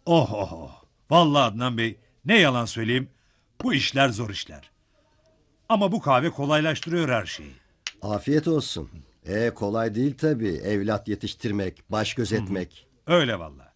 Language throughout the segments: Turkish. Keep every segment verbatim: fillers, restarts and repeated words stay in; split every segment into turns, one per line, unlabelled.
Oh oh oh. Vallahi Adnan Bey, ne yalan söyleyeyim, bu işler zor işler. Ama bu kahve kolaylaştırıyor her şeyi.
Afiyet olsun. E kolay değil tabii. Evlat yetiştirmek, baş gözetmek.
Öyle vallahi.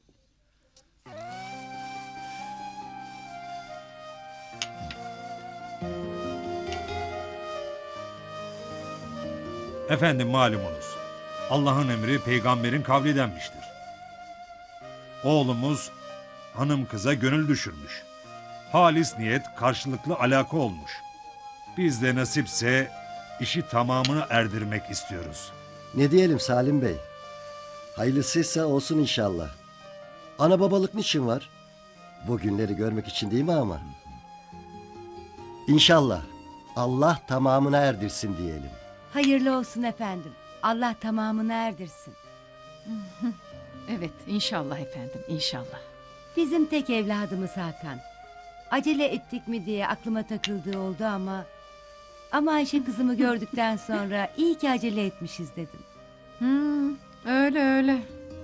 Efendim malumunuz, Allah'ın emri peygamberin kavli denmiştir. Oğlumuz hanım kıza gönül düşürmüş. Halis niyet karşılıklı alaka olmuş. Biz de nasipse işi tamamına erdirmek istiyoruz.
Ne diyelim Salim Bey? Hayırlısıysa olsun inşallah. Ana babalık niçin var? Bu günleri görmek için değil mi ama? İnşallah. Allah tamamına erdirsin diyelim.
Hayırlı olsun efendim. Allah tamamını erdirsin.
Evet, inşallah efendim, inşallah.
Bizim tek evladımız Hakan. Acele ettik mi diye aklıma takıldığı oldu ama... Ama Ayşe kızımı gördükten sonra iyi ki acele etmişiz dedim.
Hmm, öyle öyle.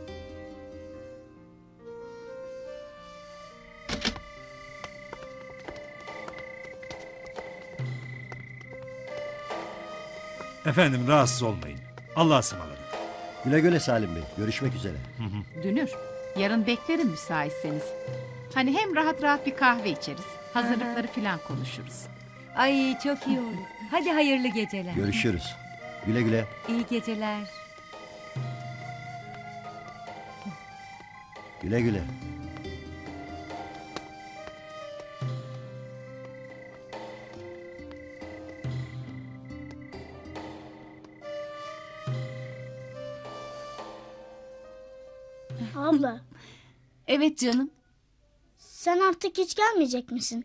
Efendim rahatsız olmayın. Allah'a ısmarladık.
Güle güle Salim Bey. Görüşmek üzere.
Dünür, yarın beklerim müsaitseniz. Hani hem rahat rahat bir kahve içeriz, hazırlıkları falan konuşuruz.
Ay çok iyi olur. Hadi hayırlı geceler.
Görüşürüz. Güle güle.
İyi geceler.
Güle güle.
Abla,
Evet canım.
sen artık hiç gelmeyecek misin?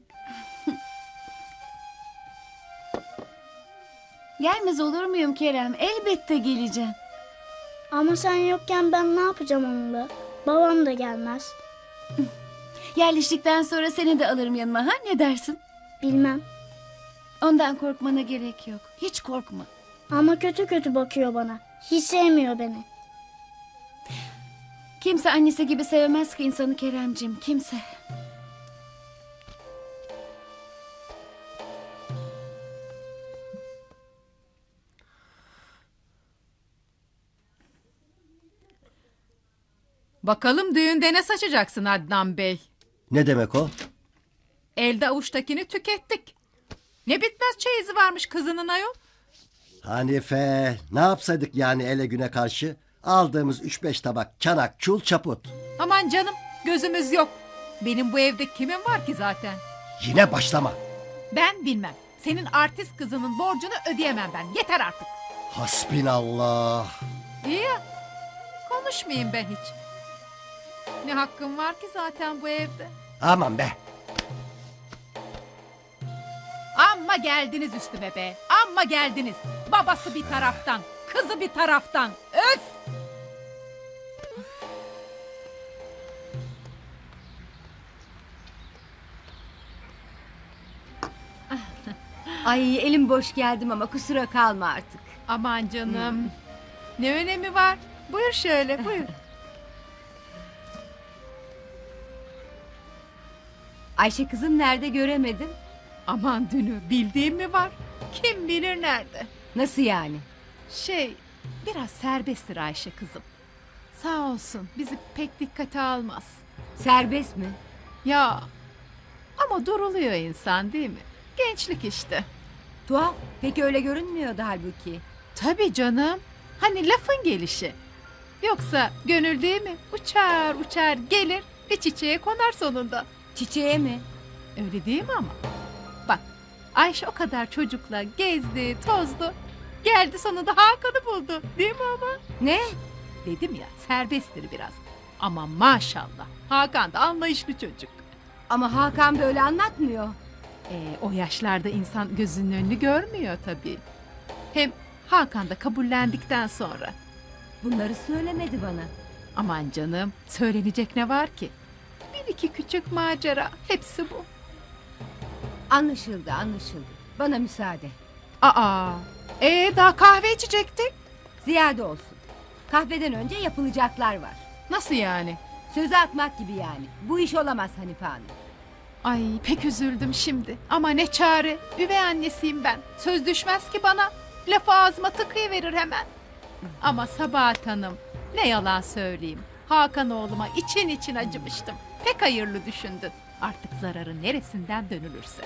Gelmez olur muyum Kerem? Elbette geleceğim.
Ama sen yokken ben ne yapacağım onunla? Babam da gelmez.
Yerleştikten sonra seni de alırım yanıma, ha ne dersin?
Bilmem.
Ondan korkmana gerek yok. Hiç korkma.
Ama kötü kötü bakıyor bana. Hiç sevmiyor beni.
Kimse annesi gibi sevmez ki insanı Keremcim, kimse.
Bakalım düğünde ne saçacaksın Adnan Bey?
Ne demek o?
Elde avuçtakini tükettik. Ne bitmez çeyizi varmış kızının ayol.
Hanife, ne yapsaydık yani ele güne karşı? Aldığımız üç beş tabak çanak, çul çaput.
Aman canım gözümüz yok. Benim bu evde kimin var ki zaten?
Yine başlama.
Ben bilmem. Senin artist kızının borcunu ödeyemem ben. Yeter artık.
Hasbinallah.
İyi ya. Konuşmayayım ben hiç. Ne hakkım var ki zaten bu evde?
Aman be.
Amma geldiniz üstüme be. Amma geldiniz. Babası bir taraftan, kızı bir taraftan. Öf!
Ay elim boş geldim ama kusura kalma artık.
Aman canım. Ne önemi var? Buyur şöyle, buyur.
Ayşe kızım nerede göremedim.
Aman Dünür, bildiğim mi var? Kim bilir nerede?
Nasıl yani?
Şey, biraz serbesttir Ayşe kızım. Sağ olsun, bizi pek dikkate almaz.
Serbest mi?
Ya, ama duruluyor insan değil mi? Gençlik işte.
Tuhaf. Peki öyle görünmüyordu halbuki.
Tabii canım. Hani lafın gelişi. Yoksa gönül değil mi? Uçar uçar gelir bir çiçeğe konar sonunda.
Çiçeğe mi?
Öyle değil mi ama? Bak Ayşe o kadar çocukla gezdi, tozdu. Geldi sonunda Hakan'ı buldu. Değil mi ama?
Ne?
Dedim ya serbesttir biraz. Ama maşallah Hakan da anlayışlı çocuk.
Ama Hakan böyle anlatmıyor.
Ee, o yaşlarda insan gözünün önünü görmüyor tabii. Hem Hakan da kabullendikten sonra.
Bunları söylemedi bana.
Aman canım söylenecek ne var ki? Bir iki küçük macera hepsi bu.
Anlaşıldı anlaşıldı. Bana müsaade.
Aa, ee daha kahve içecektik.
Ziyade olsun. Kahveden önce yapılacaklar var.
Nasıl yani?
Sözü atmak gibi yani. Bu iş olamaz Hanife Hanım.
Ay pek üzüldüm şimdi. Ama ne çare. Üvey annesiyim ben. Söz düşmez ki bana. Lafı ağzıma tıkayıverir hemen. Ama Sabahat Hanım, ne yalan söyleyeyim. Hakan oğluma için için acımıştım. Pek hayırlı düşündün. Artık zararı neresinden dönülürse.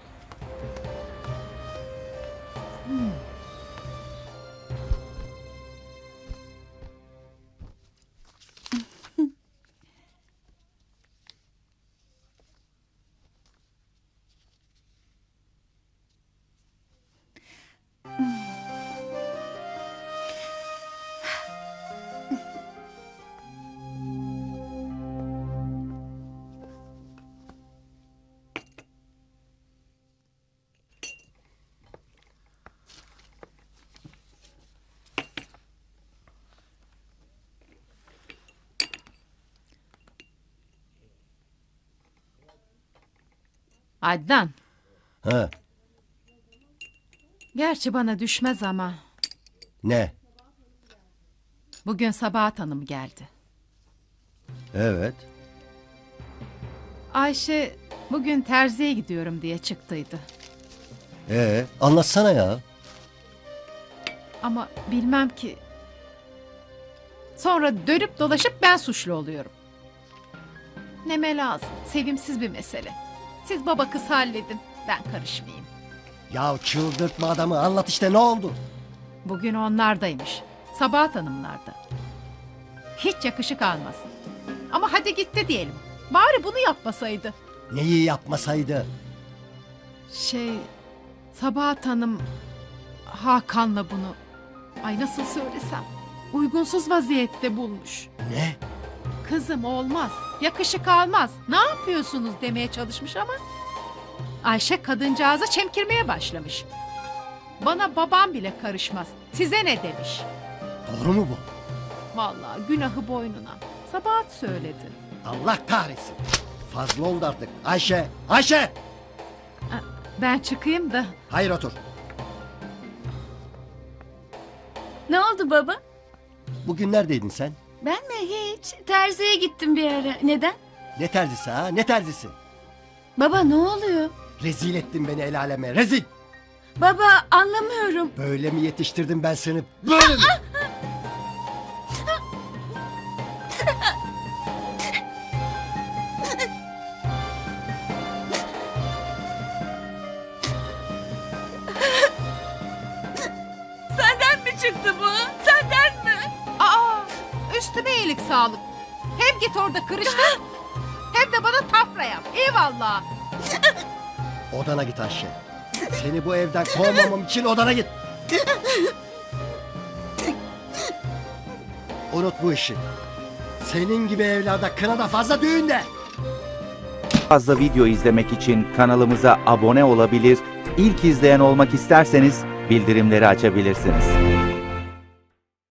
Adnan,
Ha,
gerçi bana düşmez ama
ne?
bugün Sabahat Hanım geldi.
Evet.
Ayşe bugün terziye gidiyorum diye çıktıydı.
Ee, anlatsana ya.
Ama bilmem ki. Sonra dönüp dolaşıp ben suçlu oluyorum. Neme lazım. Sevimsiz bir mesele. Siz baba kız halledin. Ben karışmayayım.
Ya çıldırtma adamı, anlat işte, ne oldu?
Bugün onlardaymış. Sabahat Hanımlarda. Hiç yakışık almasın. Ama hadi gitti diyelim. Bari bunu yapmasaydı.
Neyi yapmasaydı?
Şey, Sabahat Hanım Hakan'la bunu, ay nasıl söylesem, uygunsuz vaziyette bulmuş.
Ne?
Kızım olmaz, yakışık almaz, ne yapıyorsunuz demeye çalışmış ama Ayşe kadıncağıza çemkirmeye başlamış. Bana babam bile karışmaz, size ne demiş.
Doğru mu bu?
Vallahi günahı boynuna. Sabahat söyledi.
Allah kahretsin. Fazla oldu artık. Ayşe! Ayşe!
Ben çıkayım da.
Hayır, otur.
Ne oldu baba?
Bugün neredeydin sen?
Ben mi hiç? Terziye gittim bir ara. Neden?
Ne terzisi ha? Ne terzisi?
Baba ne oluyor?
Rezil ettin beni el aleme. Rezil!
Baba anlamıyorum.
Böyle mi yetiştirdim ben seni? Böyle mi?
Senden mi çıktı bu? Senden mi?
Aa, üstüme iyilik sağlık. Hem git orada kırıştır, hem de bana tafra yap. Eyvallah.
Odana git Ayşe. Seni bu evden kovmamam için odana git. Unut bu işi. Senin gibi evlarda kına da fazla, düğün de.
Fazla video izlemek için kanalımıza abone olabilir, ilk izleyen olmak isterseniz bildirimleri açabilirsiniz.